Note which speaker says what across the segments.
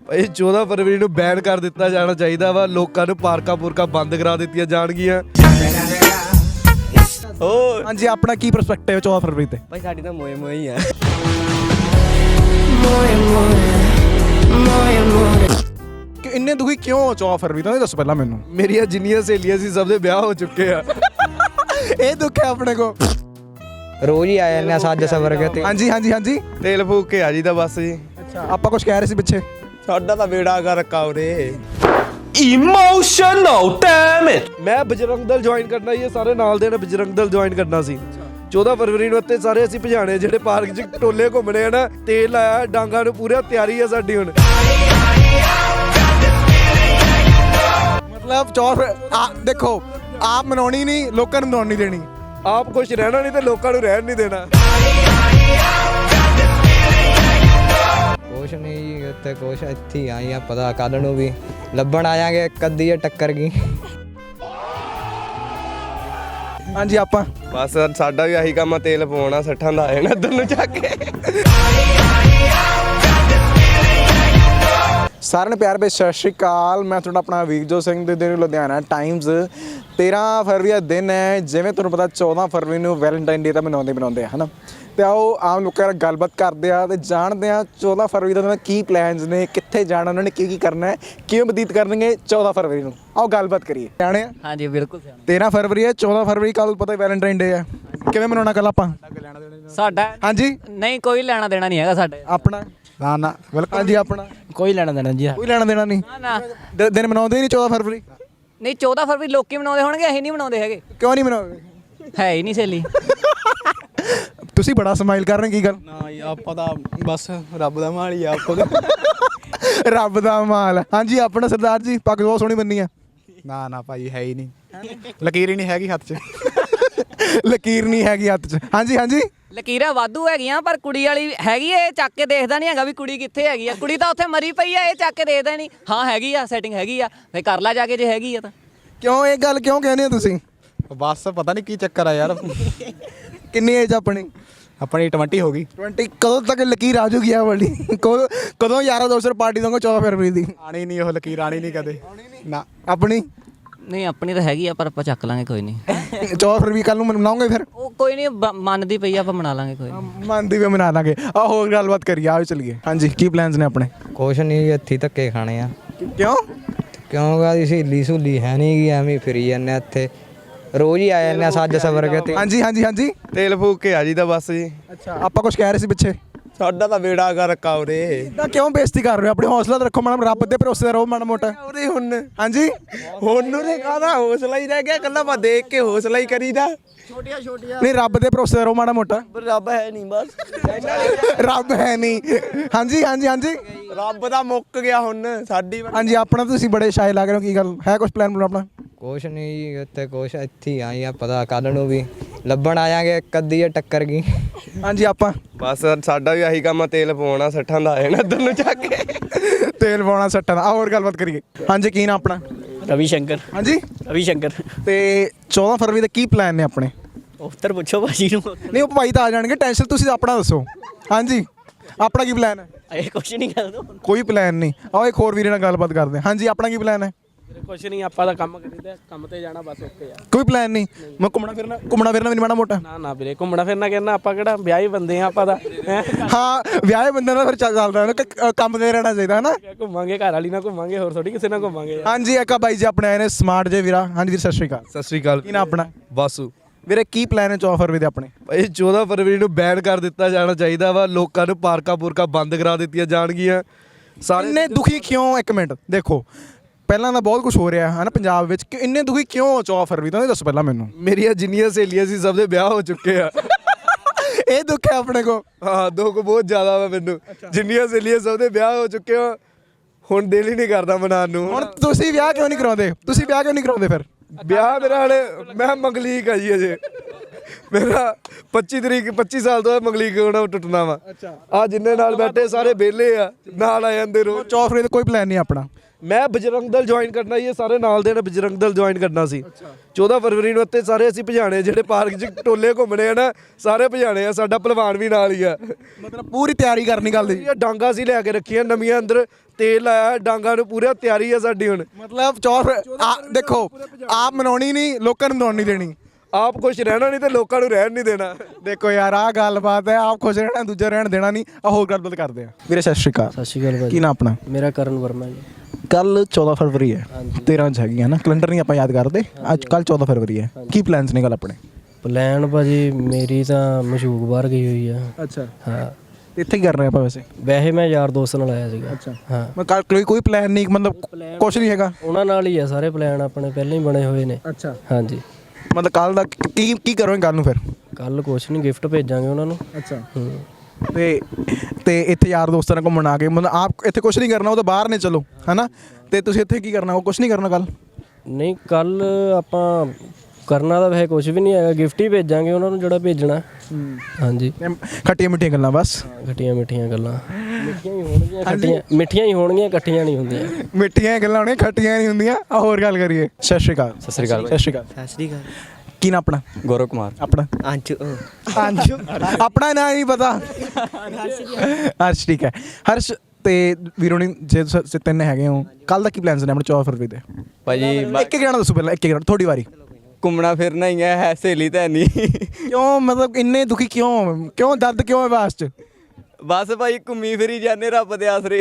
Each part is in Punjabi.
Speaker 1: ਭਾਈ 14 ਫਰਵਰੀ ਨੂੰ ਬੈਨ ਕਰ ਦਿੱਤਾ ਜਾਣਾ ਚਾਹੀਦਾ ਵਾ। ਲੋਕਾਂ ਨੂੰ ਪਾਰਕਾਂ ਬੰਦ ਕਰਾ ਦਿੱਤੀਆਂ ਜਾਣਗੀਆਂ।
Speaker 2: ਹਾਂਜੀ, ਆਪਣਾ ਕੀ ਪਰਸਪੈਕਟਿਵ 14 ਫਰਵਰੀ ਤੇ?
Speaker 1: ਭਾਈ ਸਾਡੀ ਤਾਂ ਮੋਏ ਹੀ ਆ।
Speaker 2: ਕਿ ਇੰਨੇ ਦੁਖੀ ਕਿਉਂ ਹੋ 14 ਫਰਵਰੀ ਤੋਂ? ਇਹ ਦੱਸੋ ਪਹਿਲਾਂ ਮੈਨੂੰ।
Speaker 1: ਮੇਰੀਆਂ ਜਿੰਨੀਆਂ ਸਹੇਲੀਆਂ ਸੀ ਸਭ ਦੇ ਵਿਆਹ ਹੋ ਚੁੱਕੇ ਆ।
Speaker 2: ਇਹ ਦੁੱਖ ਹੈ ਆਪਣੇ ਕੋ।
Speaker 3: ਰੋਜ਼ ਹੀ ਆ ਜਾਂਦੇ ਆ ਸੱਜ ਸਵਰ ਕੇ ਤੇ।
Speaker 2: ਹਾਂਜੀ ਹਾਂਜੀ ਹਾਂਜੀ,
Speaker 1: ਤੇਲ ਫੂਕ ਕੇ ਆ ਜੀ ਤਾਂ ਬਸ ਜੀ।
Speaker 2: ਅੱਛਾ, ਆਪਾਂ ਕੁਝ ਕਹਿ ਰਹੇ ਸੀ ਪਿੱਛੇ।
Speaker 1: ਸਾਡਾ ਤਾਂ ਬੇੜਾ ਕਰ ਰੱਖਾ ਉਰੇ।
Speaker 4: Emotional, damn it!
Speaker 1: ਮੈਂ ਬਜਰੰਗ ਦਲ ਜੁਆਇਨ ਕਰਨਾ ਸੀ, ਸਾਰੇ ਨਾਲ ਦੇ ਨੇ ਬਜਰੰਗ ਦਲ ਜੁਆਇਨ ਕਰਨਾ ਸੀ 14 ਫਰਵਰੀ ਨੂੰ। ਇੱਥੇ ਸਾਰੇ ਅਸੀਂ ਭਜਾਣੇ ਜਿਹੜੇ ਪਾਰਕ 'ਚ ਟੋਲੇ ਘੁੰਮਣੇ ਆ ਨਾ। ਤੇਲ ਆਇਆ ਡਾਂਗਾ ਨੂੰ, ਪੂਰਾ ਤਿਆਰੀ ਆ ਸਾਡੀ ਹੁਣ।
Speaker 2: ਮਤਲਬ 14 ਦੇਖੋ, ਆਪ ਮਨਾਉਣੀ ਨਹੀਂ, ਲੋਕਾਂ ਨੂੰ ਮਨਾਉਣ ਨਹੀਂ ਦੇਣੀ।
Speaker 1: ਆਪ ਖੁਸ਼ ਰਹਿਣਾ ਨਹੀਂ ਤੇ ਲੋਕਾਂ ਨੂੰ ਰਹਿਣ ਨਹੀਂ ਦੇਣਾ।
Speaker 3: ਕੁਛ ਨਹੀਂ ਜੀ, ਉੱਥੇ ਕੁਛ ਇੱਥੇ ਹੀ ਆਈ ਆ, ਪਤਾ ਕੱਲ ਨੂੰ ਵੀ ਲੱਭਣ ਆਵਾਂਗੇ। ਇੱਕ ਅੱਧੀ ਟੱਕਰ ਗਈ।
Speaker 2: ਹਾਂਜੀ, ਆਪਾਂ
Speaker 1: ਬਸ ਸਾਡਾ ਵੀ ਆਹੀ ਕੰਮ ਆ, ਤੇਲ ਪਵਾਉਣਾ, ਸੱਠਾਂ ਦਾ ਆਏ ਨਾ ਇੱਧਰ ਨੂੰ ਚੱਕ ਕੇ।
Speaker 2: ਸਾਰਿਆਂ ਨੂੰ ਪਿਆਰ ਭਰੀ ਸਤਿ ਸ਼੍ਰੀ ਅਕਾਲ। ਮੈਂ ਤੁਹਾਡਾ ਆਪਣਾ ਵੀਰਜੋਤ ਸਿੰਘ ਦੇ ਦਿਨ ਲੁਧਿਆਣਾ ਟਾਈਮਜ਼। 13 ਫਰਵਰੀ ਦਾ ਦਿਨ ਹੈ। ਜਿਵੇਂ ਤੁਹਾਨੂੰ ਪਤਾ 14 ਫਰਵਰੀ ਨੂੰ ਵੈਲੈਂਟਾਈਨ ਡੇ ਤਾਂ ਮਨਾਉਂਦੇ ਆ, ਹੈ ਨਾ। ਤੇ ਆਓ ਆਮ ਲੋਕਾਂ ਨਾਲ ਗੱਲਬਾਤ ਕਰਦੇ ਆ ਤੇ ਜਾਣਦੇ ਆ 14 ਫਰਵਰੀ ਦਾ ਉਹਨਾਂ ਦੇ ਕੀ ਪਲਾਨਸ ਨੇ, ਕਿੱਥੇ ਜਾਣਾ, ਉਹਨਾਂ ਨੇ ਕੀ ਕਰਨਾ ਹੈ, ਕਿਵੇਂ ਬਤੀਤ ਕਰਨਗੇ 14 ਫਰਵਰੀ ਨੂੰ। ਆਓ ਗੱਲਬਾਤ ਕਰੀਏ। ਸਿਆਣੇ ਆ?
Speaker 5: ਹਾਂਜੀ ਬਿਲਕੁਲ ਸਿਆਣੇ।
Speaker 2: 13 ਫਰਵਰੀ ਹੈ, 14 ਫਰਵਰੀ ਕੱਲ ਪਤਾ ਵੈਲੈਂਟਾਈਨ ਡੇ ਹੈ। ਕਿਵੇਂ ਮਨਾਉਣਾ ਕੱਲ ਆਪਾਂ?
Speaker 5: ਸਾਡਾ
Speaker 2: ਹਾਂਜੀ,
Speaker 5: ਨਹੀਂ ਕੋਈ ਲੈਣਾ ਦੇਣਾ ਨਹੀਂ ਹੈਗਾ ਸਾਡੇ।
Speaker 2: ਆਪਣਾ ਨਾ ਬਿਲਕੁਲ। ਹਾਂਜੀ, ਆਪਣਾ
Speaker 5: ਕੋਈ ਲੈਣਾ ਦੇਣਾ ਜੀ।
Speaker 2: ਕੋਈ ਲੈਣਾ ਦੇਣਾ ਨਹੀਂ।
Speaker 5: ਨਾ
Speaker 2: ਦਿਨ ਮਨਾਉਂਦੇ ਹੀ ਨਹੀਂ 14 ਫਰਵਰੀ।
Speaker 5: ਨਹੀਂ 14 ਫਰਵਰੀ ਲੋਕੀ ਮਨਾਉਂਦੇ ਹੋਣਗੇ, ਅਸੀਂ ਨਹੀਂ ਮਨਾਉਂਦੇ ਹੈਗੇ।
Speaker 2: ਕਿਉਂ ਨਹੀਂ ਮਨਾਉਂਦੇ?
Speaker 5: ਹੈ ਹੀ ਨਹੀਂ ਸਹੇਲੀ।
Speaker 2: ਤੁਸੀਂ ਬੜਾ ਸਮਾਈਲ ਕਰ ਰਹੇ, ਕੀ ਗੱਲ?
Speaker 6: ਨਾ ਜੀ, ਆਪਾਂ ਤਾਂ ਬਸ ਰੱਬ ਦਾ ਮਾਲ ਹੀ ਆ ਆਪਾਂ।
Speaker 2: ਰੱਬ ਦਾ ਮਾਲ। ਹਾਂਜੀ, ਆਪਣਾ ਸਰਦਾਰ ਜੀ, ਪੱਗ ਬਹੁਤ ਸੋਹਣੀ ਬੰਨੀ ਆ।
Speaker 6: ਨਾ ਭਾਈ ਹੈ ਹੀ ਨਹੀਂ, ਲਕੀਰ ਹੀ ਨਹੀਂ ਹੈਗੀ ਹੱਥ 'ਚ।
Speaker 2: ਲਕੀਰ ਨਹੀਂ ਹੈਗੀ ਹੱਥ 'ਚ। ਹਾਂਜੀ ਹਾਂਜੀ,
Speaker 5: ਲਕੀਰਾਂ ਵਾਧੂ ਹੈਗੀਆਂ ਪਰ ਕੁੜੀ ਵਾਲੀ ਹੈਗੀ ਇਹ ਚੱਕ ਕੇ ਦੇਖਦਾ ਨਹੀਂ ਹੈਗਾ ਵੀ ਕੁੜੀ ਕਿੱਥੇ ਹੈਗੀ ਆ। ਕੁੜੀ ਤਾਂ ਉੱਥੇ ਮਰੀ ਪਈ ਆ, ਇਹ ਚੱਕ ਕੇ ਦੇਖਦਾ ਨਹੀਂ। ਹਾਂ ਹੈਗੀ ਆ, ਸੈਟਿੰਗ ਹੈਗੀ ਆ, ਫੇ ਕਰ ਲਾ ਜਾ ਕੇ ਜੇ ਹੈਗੀ ਆ ਤਾਂ।
Speaker 2: ਕਿਉਂ ਇਹ ਗੱਲ ਕਿਉਂ ਕਹਿੰਦੇ ਹੋ ਤੁਸੀਂ?
Speaker 6: ਬਸ ਪਤਾ ਨਹੀਂ ਕੀ ਚੱਕਰ ਆ ਯਾਰ।
Speaker 2: ਕਿੰਨੀ ਏਜ ਆਪਣੀ?
Speaker 6: ਆਪਣੀ 20 ਹੋ ਗਈ।
Speaker 2: 20। ਕਦੋਂ ਤੱਕ ਲਕੀਰ ਆ ਜੂਗੀ ਆ ਵਾਲੀ? ਕਦੋਂ ਯਾਰਾ ਦੋਸਤ ਪਾਰਟੀ ਦੋਗੇ 14 ਫਰਵਰੀ ਦੀ?
Speaker 6: ਆਣੀ ਨਹੀਂ ਉਹ ਲਕੀਰ, ਆਣੀ ਨਹੀਂ ਕਦੇ ਨਾ।
Speaker 2: ਆਪਣੀ
Speaker 5: ਨਹੀਂ ਆਪਣੀ ਤਾਂ ਹੈਗੀ ਆ ਪਰ ਆਪਾਂ ਚੱਕ ਲਾਂਗੇ ਕੋਈ ਨਹੀਂ।
Speaker 2: 14 ਫਰਵਰੀ ਕੱਲ ਨੂੰ ਮਨਾਉਂਗੇ ਫਿਰ?
Speaker 5: ਉਹ ਕੋਈ ਨਹੀਂ ਮੰਨਦੀ ਪਈ ਆ, ਆਪਾਂ ਮਨਾ ਲਾਂਗੇ ਕੋਈ ਨਹੀਂ।
Speaker 2: ਮੰਨਦੀ ਵੀ ਮਨਾ ਲਾਂਗੇ। ਆ ਹੋਰ ਗੱਲਬਾਤ ਕਰੀਏ, ਆਓ ਚਲੀਏ। ਹਾਂਜੀ, ਕੀ ਪਲਾਨਸ ਨੇ ਆਪਣੇ?
Speaker 3: ਕੁਛ ਨਹੀਂ, ਇੱਥੇ ਧੱਕੇ ਖਾਣੇ ਆ।
Speaker 2: ਕਿਉਂ?
Speaker 3: ਕਿਉਂਕਿ ਸਹੇਲੀ ਸਹੂਲੀ ਹੈ ਨਹੀਂ ਗੀ, ਐਵੇਂ ਫਿਰੀ ਜਾਂਦੇ ਆ ਇੱਥੇ। ਰੋਜ਼ ਹੀ ਆ ਜਾਂਦੇ ਆ ਸੱਜ ਸਵਰ ਕੇ ਤੇ।
Speaker 2: ਹਾਂਜੀ ਹਾਂਜੀ ਹਾਂਜੀ,
Speaker 1: ਤੇਲ ਫੂਕ ਕੇ ਆ ਜੀ ਤਾਂ ਬਸ ਜੀ।
Speaker 2: ਅੱਛਾ, ਆਪਾਂ ਕੁਝ ਕਹਿ ਰਹੇ ਸੀ ਪਿੱਛੇ।
Speaker 1: ਸਾਡਾ ਤਾਂ ਬੇੜਾ ਕਰ ਰੱਖਾ ਉਰੇ।
Speaker 2: ਤਾਂ ਕਿਉਂ ਬੇਇੱਜ਼ਤੀ ਕਰ ਰਹੇ ਹੋ? ਆਪਣੀ ਹੌਸਲਾ ਤਾਂ ਰੱਖੋ ਮਾੜਾ, ਰੱਬ ਦੇ ਭਰੋਸੇ ਰਹੋ ਮਾੜਾ ਮੋਟਾ।
Speaker 1: ਉਰੇ ਹੁਣ
Speaker 2: ਹਾਂਜੀ,
Speaker 1: ਹੁਣ ਨੂੰ ਕਾਹਦਾ ਹੌਸਲਾ ਹੀ ਰਹਿ ਗਿਆ, ਕੱਲਾ ਮੈਂ ਦੇਖ ਕੇ ਹੌਸਲਾ ਹੀ ਕਰੀਦਾ।
Speaker 2: ਨਹੀਂ ਰੱਬ ਦੇ ਭਰੋਸੇ ਰਹੋ ਮਾੜਾ ਮੋਟਾ।
Speaker 1: ਰੱਬ ਹੈ ਨਹੀਂ ਬਸ।
Speaker 2: ਰੱਬ ਹੈ ਨਹੀਂ। ਹਾਂਜੀ ਹਾਂਜੀ ਹਾਂਜੀ
Speaker 1: ਰੱਬ ਦਾ ਮੁੱਕ ਗਿਆ ਹੁਣ ਸਾਡੀ।
Speaker 2: ਹਾਂਜੀ, ਆਪਣਾ ਤੁਸੀਂ ਬੜੇ ਸ਼ਾਇ ਲੱਗ ਰਹੇ ਹੋ, ਕੀ ਗੱਲ ਹੈ? ਕੁਝ ਪਲਾਨ ਆਪਣਾ?
Speaker 3: ਕੁਛ ਨਹੀਂ ਜੀ, ਉੱਥੇ ਕੁਛ ਇੱਥੇ ਹੀ ਆਈ ਆ, ਪਤਾ ਕੱਲ ਨੂੰ ਵੀ ਲੱਭਣ ਆਵਾਂਗੇ। ਇੱਕ ਅੱਧੀ ਟੱਕਰ ਗਈ।
Speaker 2: ਹਾਂਜੀ, ਆਪਾਂ
Speaker 1: ਬਸ ਸਾਡਾ ਵੀ ਆਹੀ ਕੰਮ ਆ, ਤੇਲ ਪਵਾਉਣਾ, ਸੱਠਾਂ ਦਾ ਆਏ ਨਾ ਇੱਧਰ ਨੂੰ ਚੱਕ ਕੇ।
Speaker 2: ਤੇਲ ਪਾਉਣਾ ਸੱਟਾਂ ਦਾ। ਹੋਰ ਗੱਲਬਾਤ ਕਰੀਏ। ਹਾਂਜੀ, ਕੀ ਨਾ ਆਪਣਾ?
Speaker 7: ਰਵੀ ਸ਼ੰਕਰ।
Speaker 2: ਹਾਂਜੀ,
Speaker 7: ਰਵੀ ਸ਼ੰਕਰ।
Speaker 2: ਤੇ 14 ਫਰਵਰੀ ਦੇ ਕੀ ਪਲਾਨ ਨੇ ਆਪਣੇ?
Speaker 7: ਉੱਤਰ ਪੁੱਛੋ ਭਾਜੀ ਨੂੰ।
Speaker 2: ਨਹੀਂ ਉਹ ਭਾਈ ਤਾਂ ਆ ਜਾਣਗੇ, ਟੈਨਸ਼ਨ ਤੁਸੀਂ ਆਪਣਾ ਦੱਸੋ। ਹਾਂਜੀ, ਆਪਣਾ ਕੀ ਪਲਾਨ ਹੈ?
Speaker 7: ਇਹ ਕੁਛ ਨਹੀਂ ਕਰ ਦੋ।
Speaker 2: ਕੋਈ ਪਲਾਨ ਨਹੀਂ। ਆਓ ਇੱਕ ਹੋਰ ਵੀਰੇ ਨਾਲ ਗੱਲਬਾਤ ਕਰਦੇ ਹਾਂ। ਹਾਂਜੀ, ਆਪਣਾ ਕੀ ਪਲਾਨ ਹੈ?
Speaker 7: ਕੁਛ ਨਹੀਂ, ਆਪਾਂ ਤਾਂ ਕੰਮ ਕਰੀਦਾ, ਕੰਮ ਤੇ ਜਾਣਾ ਬਸ, ਓਕੇ ਆ।
Speaker 2: ਕੋਈ ਪਲਾਨ ਨਹੀਂ। ਮੈਂ ਘੁੰਮਣਾ ਫਿਰਨਾ ਵੀ ਨਹੀਂ ਮਾੜਾ ਮੋਟਾ?
Speaker 7: ਨਾ ਵੀਰੇ, ਘੁੰਮਣਾ ਫਿਰਨਾ ਕਰਨਾ, ਆਪਾਂ ਕਿਹੜਾ ਵਿਆਹੀ ਬੰਦੇ ਆ ਆਪਾਂ ਤਾਂ।
Speaker 2: ਹਾਂ, ਵਿਆਹੇ ਬੰਦੇ ਨਾਲ ਫਿਰ ਚੱਲਦਾ ਨਾ, ਕੰਮ ਤੇ ਰਹਿਣਾ ਚਾਹੀਦਾ ਹੈ ਨਾ।
Speaker 7: ਘੁੰਮਾਂਗੇ ਘਰ ਵਾਲੀ ਨਾਲ ਘੁੰਮਾਂਗੇ, ਹੋਰ ਥੋੜੀ ਕਿਸੇ ਨਾਲ ਘੁੰਮਾਂਗੇ।
Speaker 2: ਹਾਂਜੀ, ਇੱਕ ਬਾਈ ਜੀ ਆਪਣੇ ਆਏ ਨੇ ਸਮਾਰਟ ਜੇ ਵੀਰਾ। ਹਾਂਜੀ ਵੀਰ, ਸਤਿ ਸ਼੍ਰੀ ਅਕਾਲ।
Speaker 1: ਸਤਿ ਸ੍ਰੀ ਅਕਾਲ।
Speaker 2: ਕੀ ਨਾ ਆਪਣਾ?
Speaker 1: ਵਾਸੂ।
Speaker 2: ਵੀਰੇ ਕੀ ਪਲਾਨ ਹੈ 14 ਫਰਵਰੀ ਦੇ ਆਪਣੇ?
Speaker 1: ਭਾਈ 14 ਫਰਵਰੀ ਨੂੰ ਬੈਨ ਕਰ ਦਿੱਤਾ ਜਾਣਾ ਚਾਹੀਦਾ ਵਾ। ਲੋਕਾਂ ਨੂੰ ਪਾਰਕਾਂ ਬੰਦ ਕਰਾ ਦਿੱਤੀਆਂ ਜਾਣਗੀਆਂ। ਸਾਰੇ
Speaker 2: ਇੰਨੇ ਦੁਖੀ ਕਿਉਂ? ਇੱਕ ਮਿੰਟ ਦੇਖੋ, ਪਹਿਲਾਂ ਤਾਂ ਬਹੁਤ ਕੁਝ ਹੋ ਰਿਹਾ ਹੈ ਨਾ ਪੰਜਾਬ ਵਿੱਚ, ਕਿ ਇੰਨੇ ਦੁਖੀ ਕਿਉਂ ਹੋ 14 ਫਰਵਰੀ ਤੋਂ? ਇਹ ਦੱਸੋ ਪਹਿਲਾਂ ਮੈਨੂੰ।
Speaker 1: ਮੇਰੀਆਂ ਜਿੰਨੀਆਂ ਸਹੇਲੀਆਂ ਸੀ ਸਭ ਦੇ ਵਿਆਹ ਹੋ ਚੁੱਕੇ ਆ।
Speaker 2: ਇਹ ਦੁੱਖ ਹੈ ਆਪਣੇ ਕੋ।
Speaker 1: ਹਾਂ, ਦੁੱਖ ਬਹੁਤ ਜ਼ਿਆਦਾ ਵਾ ਮੈਨੂੰ। ਜਿੰਨੀਆਂ ਸਹੇਲੀਆਂ ਸਭ ਦੇ ਵਿਆਹ ਹੋ ਚੁੱਕੇ ਆ, ਹੁਣ ਦਿਲ ਹੀ ਨਹੀਂ ਕਰਦਾ ਮਨਾਉਣ ਨੂੰ।
Speaker 2: ਹੁਣ ਤੁਸੀਂ ਵਿਆਹ ਕਿਉਂ ਨਹੀਂ ਕਰਾਉਂਦੇ? ਤੁਸੀਂ ਵਿਆਹ ਕਿਉਂ ਨਹੀਂ ਕਰਾਉਂਦੇ ਫਿਰ?
Speaker 1: ਵਿਆਹ ਮੇਰਾ ਹਲੇ, ਮੈਂ ਮੰਗਲੀਕ ਆ ਜੀ ਅਜੇ। ਮੇਰਾ 25 ਸਾਲ ਤੋਂ ਮੰਗਲੀਕ ਹੋਣਾ ਟੁੱਟਣਾ ਵਾ। ਆ ਜਿੰਨੇ ਨਾਲ ਬੈਠੇ ਸਾਰੇ ਵਿਹਲੇ ਆ, ਨਾਲ ਆ ਜਾਂਦੇ ਰੋਜ਼।
Speaker 2: 14 ਫਰਵਰੀ ਦਾ ਕੋਈ ਪਲਾਨ ਨਹੀਂ ਆਪਣਾ?
Speaker 1: ਮੈਂ ਬਜਰੰਗ ਦਲ ਜੁਆਇਨ ਕਰਨਾ ਇਹ ਸਾਰੇ ਨਾਲ ਦੇ ਨੇ ਬਜਰੰਗ ਦਲ ਜੁਆਇਨ ਕਰਨਾ ਸੀ। 14 ਫਰਵਰੀ ਨੂੰ ਇੱਥੇ ਸਾਰੇ ਅਸੀਂ ਭਜਾਣੇ, ਜਿਹੜੇ ਪਾਰਕ 'ਚ ਟੋਲੇ ਘੁੰਮਣੇ ਆ ਨਾ ਸਾਰੇ ਭਜਾਣੇ ਆ। ਸਾਡਾ ਪਹਿਲਵਾਨ ਵੀ ਨਾਲ ਹੀ ਆ।
Speaker 2: ਮਤਲਬ ਪੂਰੀ ਤਿਆਰੀ ਕਰਨੀ ਗੱਲ ਦੀ।
Speaker 1: ਇਹ ਡਾਂਗਾ ਸੀ ਲੈ ਕੇ ਰੱਖੀਆਂ ਨਵੀਆਂ, ਅੰਦਰ ਤੇਲ ਲਾਇਆ ਡਾਂਗਾ ਨੂੰ, ਪੂਰਾ ਤਿਆਰੀ ਆ ਸਾਡੀ ਹੁਣ।
Speaker 2: ਮਤਲਬ 14 ਦੇਖੋ, ਆਪ ਮਨਾਉਣੀ ਨਹੀਂ, ਲੋਕਾਂ ਨੂੰ ਮਨਾਉਣ ਨਹੀਂ ਦੇਣੀ।
Speaker 1: ਆਪ ਖੁਸ਼ ਰਹਿਣਾ ਨਹੀਂ ਤੇ ਲੋਕਾਂ ਨੂੰ ਰਹਿਣ ਨਹੀਂ ਦੇਣਾ।
Speaker 2: ਦੇਖੋ ਯਾਰ, ਆਹ ਗੱਲਬਾਤ ਹੈ। ਆਪ ਖੁਸ਼ ਰਹਿਣਾ, ਦੂਜਾ ਰਹਿਣ ਦੇਣਾ ਨਹੀਂ। ਆ ਹੋਰ ਗੱਲਬਾਤ ਕਰਦੇ ਆ। ਵੀਰੇ ਸਤਿ ਸ਼੍ਰੀ ਅਕਾਲ।
Speaker 7: ਸਤਿ ਸ਼੍ਰੀ ਅਕਾਲ
Speaker 2: ਕੀ ਨਾਮ ਆਪਣਾ?
Speaker 7: ਮੇਰਾ ਕਰਨ ਵਰਮਾ ਜੀ।
Speaker 2: ਕੱਲ 14 ਫਰਵਰੀ ਹੈ, 13 ਚ ਹੈਗੀ ਹੈ ਨਾ, ਕੈਲੰਡਰ ਨਹੀਂ ਆਪਾਂ ਯਾਦ ਕਰਦੇ। ਅੱਜ ਕੱਲ 14 ਫਰਵਰੀ ਹੈ, ਕੀ ਪਲਾਨਸ ਨੇ ਕੱਲ ਆਪਣੇ?
Speaker 7: ਪਲਾਨ ਭਾਜੀ ਮੇਰੀ ਤਾਂ ਮਸ਼ੂਕ ਬਾਹਰ ਗਈ ਹੋਈ ਆ।
Speaker 2: ਅੱਛਾ,
Speaker 7: ਹਾਂ
Speaker 2: ਇੱਥੇ ਕੀ ਕਰ ਰਹੇ ਆਪਾਂ ਵੈਸੇ?
Speaker 7: ਵੈਸੇ ਮੈਂ ਯਾਰ ਦੋਸਤ ਨਾਲ ਆਇਆ ਸੀਗਾ।
Speaker 2: ਅੱਛਾ
Speaker 7: ਹਾਂ,
Speaker 2: ਮੈਂ ਕੱਲ ਕੋਈ ਪਲਾਨ ਨਹੀਂ, ਮਤਲਬ ਕੁਛ ਨਹੀਂ ਹੈਗਾ?
Speaker 7: ਉਹਨਾਂ ਨਾਲ ਹੀ ਆ ਸਾਰੇ ਪਲਾਨ ਆਪਣੇ ਪਹਿਲਾਂ ਹੀ ਬਣੇ ਹੋਏ ਨੇ।
Speaker 2: ਅੱਛਾ,
Speaker 7: ਹਾਂਜੀ।
Speaker 2: ਮਤਲਬ ਕੱਲ ਦਾ ਕੀ ਕਰੋਗੇ ਕੱਲ ਨੂੰ ਫਿਰ?
Speaker 7: ਕੱਲ ਕੁਛ ਨਹੀਂ, ਗਿਫਟ ਭੇਜਾਂਗੇ ਉਹਨਾਂ ਨੂੰ।
Speaker 2: ਅੱਛਾ,
Speaker 7: ਹੂੰ।
Speaker 2: ਤੇ ਇੱਥੇ ਯਾਰ ਦੋਸਤਾਂ ਨਾਲ ਘੁੰਮਣ ਆ ਕੇ, ਮਤਲਬ ਆਪ ਇੱਥੇ ਕੁਛ ਨਹੀਂ ਕਰਨਾ, ਉਹ ਤਾਂ ਬਾਹਰ ਨੇ ਚਲੋ, ਹੈਨਾ? ਤੇ ਤੁਸੀਂ ਇੱਥੇ ਕੀ ਕਰਨਾ? ਉਹ ਕੁਛ ਨਹੀਂ ਕਰਨਾ ਕੱਲ?
Speaker 7: ਨਹੀਂ, ਕੱਲ ਆਪਾਂ ਕਰਨਾ ਤਾਂ ਵੈਸੇ ਕੁਛ ਵੀ ਨਹੀਂ ਹੈਗਾ, ਗਿਫਟ ਹੀ ਭੇਜਾਂਗੇ ਉਹਨਾਂ ਨੂੰ ਜਿਹੜਾ ਭੇਜਣਾ। ਹਾਂਜੀ,
Speaker 2: ਖੱਟੀਆਂ ਮਿੱਠੀਆਂ ਗੱਲਾਂ ਬਸ।
Speaker 7: ਖੱਟੀਆਂ ਮਿੱਠੀਆਂ ਗੱਲਾਂ। ਮਿੱਠੀਆਂ ਹੀ ਹੋਣਗੀਆਂ, ਇਕੱਠੀਆਂ ਨਹੀਂ ਹੁੰਦੀਆਂ।
Speaker 2: ਮਿੱਠੀਆਂ ਗੱਲਾਂ ਹੋਣੀਆਂ, ਖੱਟੀਆਂ ਨਹੀਂ ਹੁੰਦੀਆਂ। ਆ ਹੋਰ ਗੱਲ ਕਰੀਏ। ਸਤਿ ਸ਼੍ਰੀ ਅਕਾਲ।
Speaker 4: ਸਤਿ ਸ਼੍ਰੀ ਅਕਾਲ।
Speaker 2: ਸਤਿ ਸ਼੍ਰੀ ਅਕਾਲ।
Speaker 4: ਸਤਿ ਸ਼੍ਰੀ ਅਕਾਲ।
Speaker 2: ਕੀ ਨਾ ਆਪਣਾ?
Speaker 4: ਗੌਰਵ ਕੁਮਾਰ।
Speaker 2: ਆਪਣਾ?
Speaker 4: ਅੰਸ਼ੂ।
Speaker 2: ਆਪਣਾ ਨਾਂ ਨਹੀਂ ਪਤਾ? ਹਰਸ਼, ਠੀਕ ਹੈ। ਹਰਸ਼ ਤੇ ਵੀਰੋਣੀ, ਜੇ ਤੁਸੀਂ ਤਿੰਨ ਹੈਗੇ ਹੋ, ਕੱਲ ਦਾ ਕੀ ਪਲਾਨਸ ਨੇ ਆਪਣੇ 14 ਫਰਵਰੀ ਦੇ?
Speaker 4: ਭਾਜੀ
Speaker 2: ਇੱਕ ਜਾਣਾ ਦੱਸੋ ਪਹਿਲਾਂ, ਇੱਕ ਜਾਣਾ, ਤੁਹਾਡੀ ਵਾਰੀ।
Speaker 4: ਘੁੰਮਣਾ ਫਿਰਨਾ ਹੀ ਹੈ, ਸਹੇਲੀ ਤਾਂ ਨਹੀਂ।
Speaker 2: ਕਿਉਂ, ਮਤਲਬ ਇੰਨੇ ਦੁਖੀ ਕਿਉਂ ਦਰਦ ਕਿਉਂ ਹੈ ਬਾਸ ਚ?
Speaker 4: ਬਸ ਭਾਈ ਘੁੰਮੀ ਫਿਰੀ ਜਾਂਦੇ ਰੱਬ ਦੇ ਆਸਰੇ।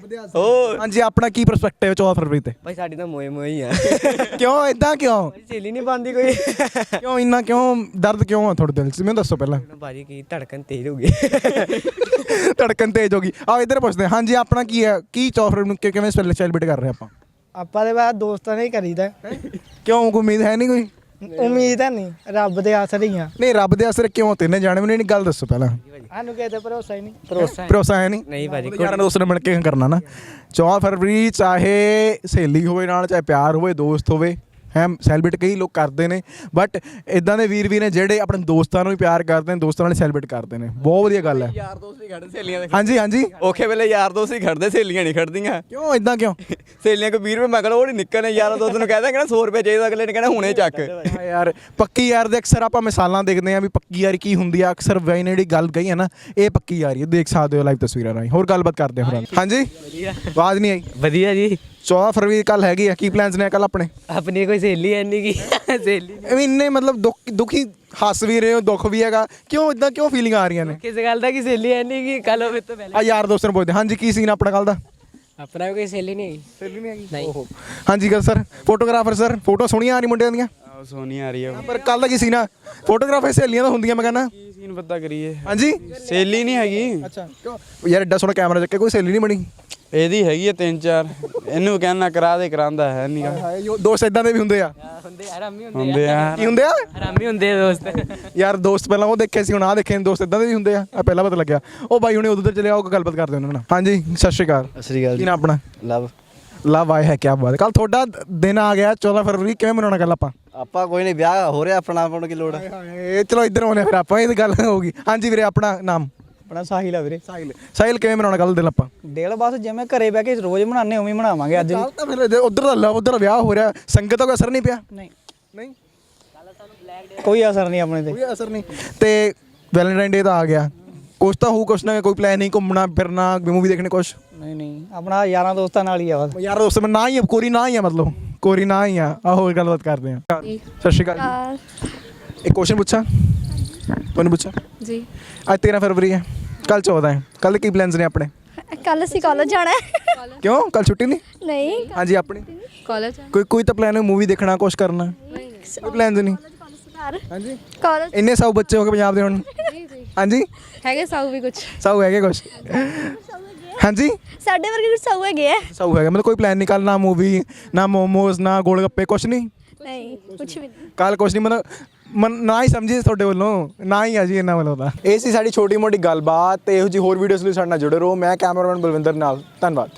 Speaker 4: ਹੋਰ
Speaker 2: ਹਾਂਜੀ, ਆਪਣਾ ਕੀ ਪਰਸਪੈਕਟਿਵ ਹੈ 14 ਫਰਵਰੀ ਤੇ?
Speaker 4: ਭਾਈ ਸਾਡੀ ਤਾਂ ਮੋਏ ਹੀ ਆ।
Speaker 2: ਕਿਉਂ ਇਦਾਂ ਕਿਉਂ?
Speaker 4: ਸਹੇਲੀ ਨਹੀਂ ਬਣਦੀ ਕੋਈ।
Speaker 2: ਕਿਉਂ ਇੰਨਾ ਕਿਉਂ ਦਰਦ ਕਿਉਂ ਹੈ ਤੁਹਾਡੇ ਦਿਲ 'ਚ? ਮੈਨੂੰ ਦੱਸੋ ਪਹਿਲਾਂ।
Speaker 4: ਭਾਜੀ ਕੀ ਧੜਕਨ ਤੇਜ਼ ਹੋ ਗਈ।
Speaker 2: ਧੜਕਨ ਤੇਜ਼ ਹੋ ਗਈ। ਆਓ ਇੱਧਰ ਪੁੱਛਦੇ ਹਾਂ। ਹਾਂਜੀ, ਆਪਣਾ ਕੀ ਹੈ? ਕੀ 14 ਫਰਵਰੀ ਨੂੰ ਕਿਵੇਂ ਸੈਲੀਬ੍ਰੇਟ ਕਰ ਰਹੇ ਆਪਾਂ?
Speaker 8: ਆਪਾਂ ਦੇ ਬਾਅਦ ਦੋਸਤਾਂ ਨੇ ਹੀ ਕਰੀਦਾ।
Speaker 2: ਕਿਉਂ, ਕੋਈ ਉਮੀਦ ਹੈ ਨਹੀਂ ਕੋਈ?
Speaker 8: ਉਮੀਦ ਹੈ ਨਹੀਂ, ਰੱਬ ਦੇ ਆਸਰੇ ਹੀ ਆ।
Speaker 2: ਨਹੀਂ, ਰੱਬ ਦੇ ਆਸਰੇ ਕਿਉਂ? ਤਿੰਨੇ ਜਾਣੇ ਮੈਨੂੰ ਇਹ ਗੱਲ ਦੱਸੋ ਪਹਿਲਾਂ।
Speaker 8: ਸਾਨੂੰ ਕਿਸੇ ਤੇ ਭਰੋਸਾ ਹੀ ਨਹੀਂ।
Speaker 2: ਭਰੋਸਾ ਹੈ ਨਹੀਂ?
Speaker 4: ਨਹੀਂ ਭਾਜੀ,
Speaker 2: ਯਾਰਾਂ ਦੋਸਤਾਂ ਨਾਲ ਮਿਲ ਕੇ ਕਰਨਾ ਨਾ। 14 ਫਰਵਰੀ ਚਾਹੇ ਸਹੇਲੀ ਹੋਵੇ ਨਾਲ, ਚਾਹੇ ਪਿਆਰ ਹੋਵੇ, ਦੋਸਤ ਹੋਵੇ, ਹੈ ਸੈਲੀਬ੍ਰੇਟ ਕਈ ਲੋਕ ਕਰਦੇ ਨੇ। ਬਟ ਇਦਾਂ ਦੇ ਵੀਰ ਵੀ ਨੇ ਜਿਹੜੇ ਆਪਣੇ ਦੋਸਤਾਂ ਨੂੰ ਵੀ ਪਿਆਰ ਕਰਦੇ ਨੇ, ਦੋਸਤਾਂ ਨਾਲ ਸੈਲੀਬ੍ਰੇਟ ਕਰਦੇ ਨੇ। ਬਹੁਤ ਵਧੀਆ ਗੱਲ ਹੈ।
Speaker 4: ਯਾਰ ਦੋਸਤ ਹੀ ਖੜਦੇ ਸਹੇਲੀਆਂ ਦੇ।
Speaker 2: ਹਾਂਜੀ ਹਾਂਜੀ।
Speaker 4: ਔਖੇ ਵੇਲੇ ਯਾਰ ਦੋਸਤ ਹੀ ਖੜਦੇ, ਸਹੇਲੀਆਂ ਨਹੀਂ ਖੜਦੀਆਂ।
Speaker 2: ਕਿਉਂ ਇਦਾਂ ਕਿਉਂ?
Speaker 4: ਸਹੇਲੀਆਂ ਕੋ 20 ਰੁਪਏ ਮੰਗ ਲਓ, ਉਹ ਨਹੀਂ ਨਿਕਲਣੇ। ਯਾਰਾਂ ਦੋਸਤ ਨੂੰ ਕਹਿੰਦਾ ਕਿ 100 ਰੁਪਏ ਚਾਹੀਦਾ, ਅਗਲੇ ਨੇ ਕਹਿਣਾ ਹੁਣੇ ਚੱਕ।
Speaker 2: ਹਾਂ ਯਾਰ, ਪੱਕੀ ਯਾਰ ਦੇ ਅਕਸਰ ਆਪਾਂ ਮਿਸਾਲਾਂ ਦੇਖਦੇ ਹਾਂ ਵੀ ਪੱਕੀ ਯਾਰੀ ਕੀ ਹੁੰਦੀ ਆ। ਅਕਸਰ ਵੈਨ ਜਿਹੜੀ ਗੱਲ ਕਹੀ ਹੈ ਨਾ, ਇਹ ਪੱਕੀ ਯਾਰੀ ਹੈ। ਦੇਖ ਸਕਦੇ ਹੋ ਲਾਈਵ ਤਸਵੀਰਾਂ ਰਾਹੀਂ। ਹੋਰ ਗੱਲਬਾਤ ਕਰਦੇ ਹਾਂ। ਹਾਂਜੀ, ਆਵਾਜ਼ ਨਹੀਂ ਆਈ।
Speaker 9: ਵਧੀਆ ਜੀ।
Speaker 2: 14 ਫਰਵਰੀ ਕੱਲ ਹੈਗੀ ਆ, ਕੀ ਪਲਾਨਸ ਨੇ ਕੱਲ ਆਪਣੇ?
Speaker 9: ਆਪਣੀ ਕੋਈ ਸਹੇਲੀ ਹੈ ਨਹੀਂ ਕੀ ਸਹੇਲੀ
Speaker 2: ਐਵੇਂ ਇੰਨੇ ਮਤਲਬ ਦੁਖੀ ਹੱਸ ਵੀ ਰਹੇ ਹੋ, ਦੁੱਖ ਵੀ ਹੈਗਾ, ਕਿਉਂ ਇਦਾਂ ਕਿਉਂ ਫੀਲਿੰਗ ਆ ਰਹੀਆਂ ਨੇ?
Speaker 9: ਕਿਸ ਗੱਲ ਦਾ ਕੀ ਸਹੇਲੀ ਹੈ ਨਹੀਂ ਕੀ ਕੱਲ ਹੋਵੇ ਤੋਂ ਪਹਿਲੇ
Speaker 2: ਆ ਯਾਰ ਦੋਸਤਾਂ ਨੂੰ ਪੁੱਛਦੇ। ਹਾਂਜੀ, ਕੀ ਸੀਨ ਆਪਣਾ ਕੱਲ ਦਾ?
Speaker 9: ਆਪਣਾ ਕੋਈ ਸਹੇਲੀ ਨਹੀਂ ਹੈਗੀ।
Speaker 2: ਸਹੇਲੀ ਨਹੀਂ ਹੈਗੀ?
Speaker 9: ਨਹੀਂ।
Speaker 2: ਹਾਂਜੀ ਗੱਲ ਸਰ, ਫੋਟੋਗ੍ਰਾਫਰ ਸਰ, ਫੋਟੋ ਸੋਹਣੀਆਂ ਆ ਰਹੀ ਮੁੰਡਿਆਂ ਦੀਆਂ।
Speaker 10: ਸੋਹਣੀ ਆ ਰਹੀ ਹੈ
Speaker 2: ਪਰ ਕੱਲ ਦਾ ਕੀ ਸੀਨ ਆ? ਫੋਟੋਗ੍ਰਾਫਰ ਸਹੇਲੀਆਂ ਤਾਂ ਹੁੰਦੀਆਂ, ਮੈਂ ਕਹਿੰਦਾ।
Speaker 10: ਕੀ ਸੀਨ ਪਤਾ ਕਰੀਏ।
Speaker 2: ਹਾਂਜੀ,
Speaker 10: ਸਹੇਲੀ ਨਹੀਂ ਹੈਗੀ।
Speaker 2: ਅੱਛਾ, ਯਾਰ ਐਡਾ ਸੋਹਣਾ ਕੈਮਰਾ ਚੱਕੇ, ਕੋਈ ਸਹੇਲੀ ਨਹੀਂ ਬਣੀ?
Speaker 10: ਇਹਦੀ ਹੈਗੀ ਹੈ 3-4। ਇਹਨੂੰ ਕਹਿਣਾ ਕਰਾ ਦੇ, ਕਰਾਂਦਾ ਹੈ ਨਹੀਂ।
Speaker 2: ਦੋਸਤ ਇਦਾਂ ਦੇ ਵੀ ਹੁੰਦੇ ਆ?
Speaker 9: ਹੁੰਦੇ ਆਰਾਮੀ
Speaker 10: ਹੁੰਦੇ ਆ।
Speaker 2: ਕੀ ਹੁੰਦੇ ਆ?
Speaker 9: ਆਰਾਮੀ ਹੁੰਦੇ ਆ ਦੋਸਤ।
Speaker 2: ਯਾਰ ਦੋਸਤ ਪਹਿਲਾਂ ਉਹ ਦੇਖੇ ਸੀ, ਹੁਣ ਆ ਦੇਖੇ ਦੋਸਤ ਇਦਾਂ ਦੇ ਵੀ ਹੁੰਦੇ ਆ। ਪਹਿਲਾਂ ਪਤਾ ਲੱਗਿਆ। ਉਹ ਬਾਈ ਹੁਣੇ ਉਧਰ ਚਲੇ ਆਓ, ਗੱਲਬਾਤ ਕਰਦੇ ਉਹਨਾਂ ਨਾਲ। ਹਾਂਜੀ, ਸਤਿ ਸ਼੍ਰੀ ਅਕਾਲ।
Speaker 4: ਸਤਿ ਸ਼੍ਰੀ ਅਕਾਲ।
Speaker 2: ਕੀ ਨਾਮ ਆਪਣਾ?
Speaker 4: ਲਵ।
Speaker 2: ਲਵ ਆਏ ਹੈ, ਕਿਆ ਬਾਤ। ਕੱਲ ਤੁਹਾਡਾ ਦਿਨ ਆ ਗਿਆ 14 ਫਰਵਰੀ, ਕਿਵੇਂ ਮਨਾਉਣਾ ਕੱਲ ਆਪਾਂ?
Speaker 4: ਆਪਾਂ ਕੋਈ ਨਹੀਂ, ਵਿਆਹ ਹੋ ਰਿਹਾ ਆਪਣਾ, ਆਪਾਂ ਨੂੰ ਕੀ ਲੋੜ?
Speaker 2: ਇਹ ਚਲੋ ਇੱਧਰ ਆਉਣੇ ਫਿਰ ਆਪਾਂ, ਇਹ ਗੱਲ ਹੋ ਗਈ। ਹਾਂਜੀ ਵੀਰੇ, ਆਪਣਾ ਨਾਮ?
Speaker 8: ਆਪਣਾ ਸਾਹਿਲ ਆ ਵੀਰੇ।
Speaker 2: ਸਾਹਿਲ, ਕਿਵੇਂ ਮਨਾਉਣਾ ਕੱਲ ਦਿਨ ਆਪਾਂ?
Speaker 8: ਡੇਲ ਬਸ ਜਿਵੇਂ ਘਰੇ ਬਹਿ ਕੇ ਰੋਜ਼ ਮਨਾਉਂਦੇ ਉਵੇਂ ਮਨਾਵਾਂਗੇ ਅੱਜ ਵੀ।
Speaker 2: ਕੱਲ ਤਾਂ ਫਿਰ ਉਧਰ ਦਾ ਲਵ, ਉਧਰ ਦਾ ਵਿਆਹ ਹੋ ਰਿਹਾ, ਸੰਗਤ ਦਾ ਕੋਈ ਅਸਰ ਨਹੀਂ ਪਿਆ?
Speaker 8: ਨਹੀਂ
Speaker 2: ਨਹੀਂ,
Speaker 8: ਕੋਈ ਅਸਰ ਨਹੀਂ ਆਪਣੇ ਤੇ।
Speaker 2: ਕੋਈ ਅਸਰ ਨਹੀਂ। ਤੇ ਵੈਲੈਂਟਾਈਨ ਡੇ ਤਾਂ ਆ ਗਿਆ, ਕੁਛ ਤਾਂ ਹੋਊ, ਕੁਛ ਨਾ ਕੋਈ ਪਲਾਨ ਨਹੀਂ, ਘੁੰਮਣਾ ਫਿਰਨਾ, ਮੂਵੀ ਦੇਖਣੇ, ਕੁਛ?
Speaker 8: ਨਹੀਂ, ਆਪਣਾ ਯਾਰਾਂ ਦੋਸਤਾਂ ਨਾਲ ਹੀ ਆ ਬਸ।
Speaker 2: ਯਾਰ ਦੋਸਤ ਮੈਂ ਨਾ ਹੀ ਕੋਰੀ ਨਾ ਹੀ ਆ, ਮਤਲਬ ਕੋਰੀ ਨਾ ਹੀ ਆ। ਹੋਰ ਗੱਲਬਾਤ ਕਰਦੇ ਆ। ਸਤਿ ਸ਼੍ਰੀ ਅਕਾਲ। ਇੱਕ ਕੁਐਸਚਨ ਪੁੱਛਾਂ ਤੁਹਾਨੂੰ? ਪੁੱਛਾਂ ਜੀ। ਅੱਜ 13 ਫਰਵਰੀ ਹੈ, ਕੱਲ 14 ਹੈ। ਕੱਲ ਕੀ ਪਲਾਨਸ ਨੇ ਆਪਣੇ?
Speaker 11: ਕੱਲ ਅਸੀਂ ਕਾਲਜ ਜਾਣਾ ਹੈ।
Speaker 2: ਕਿਉਂ, ਕੱਲ ਛੁੱਟੀ ਨਹੀਂ?
Speaker 11: ਨਹੀਂ।
Speaker 2: ਹਾਂਜੀ, ਆਪਣੀ
Speaker 11: ਕਾਲਜ
Speaker 2: ਕੋਈ ਤਾਂ ਪਲਾਨ ਹੈ, ਮੂਵੀ ਦੇਖਣਾ, ਕੁਛ ਕਰਨਾ? ਕੋਈ ਪਲਾਨਸ ਨਹੀਂ? ਹਾਂਜੀ,
Speaker 11: ਕਾਲਜ
Speaker 2: ਇੰਨੇ ਸਭ ਬੱਚੇ ਹੋ ਕੇ ਪੰਜਾਬ ਦੇ ਹੁਣ। ਹਾਂਜੀ,
Speaker 11: ਹੈਗੇ ਸਾਊ ਵੀ ਕੁਝ।
Speaker 2: ਸਾਊ ਹੈਗੇ ਕੁਛ? ਹਾਂਜੀ,
Speaker 11: ਸਾਡੇ ਵਰਗੇ ਕੁਝ ਸਾਊ ਹੈਗੇ ਆ।
Speaker 2: ਸਾਊ ਹੈਗਾ, ਮਤਲਬ ਕੋਈ ਪਲਾਨ ਨਹੀਂ ਕੱਲ? ਨਾ ਮੂਵੀ, ਨਾ ਮੋਮੋਸ, ਨਾ ਗੋਲ ਗੱਪੇ, ਕੁਛ ਨਹੀਂ?
Speaker 11: ਨਹੀਂ, ਕੁਝ ਵੀ ਨਹੀਂ।
Speaker 2: ਕੱਲ ਕੁਛ ਨਹੀਂ, ਮਤਲਬ ਨਾ ਹੀ ਸਮਝੀ ਤੁਹਾਡੇ ਵੱਲੋਂ, ਨਾ ਹੀ ਆ ਜੀ ਇਹਨਾਂ ਵੱਲੋਂ ਤਾਂ। ਇਹ ਸੀ ਸਾਡੀ ਛੋਟੀ ਮੋਟੀ ਗੱਲਬਾਤ। ਤੇ ਇਹੋ ਜਿਹੀ ਹੋਰ ਵੀਡੀਓਜ਼ ਲਈ ਸਾਡੇ ਨਾਲ ਜੁੜੇ ਰਹੋ। ਮੈਂ ਕੈਮਰਾਮੈਨ ਬਲਵਿੰਦਰ ਨਾਲ, ਧੰਨਵਾਦ।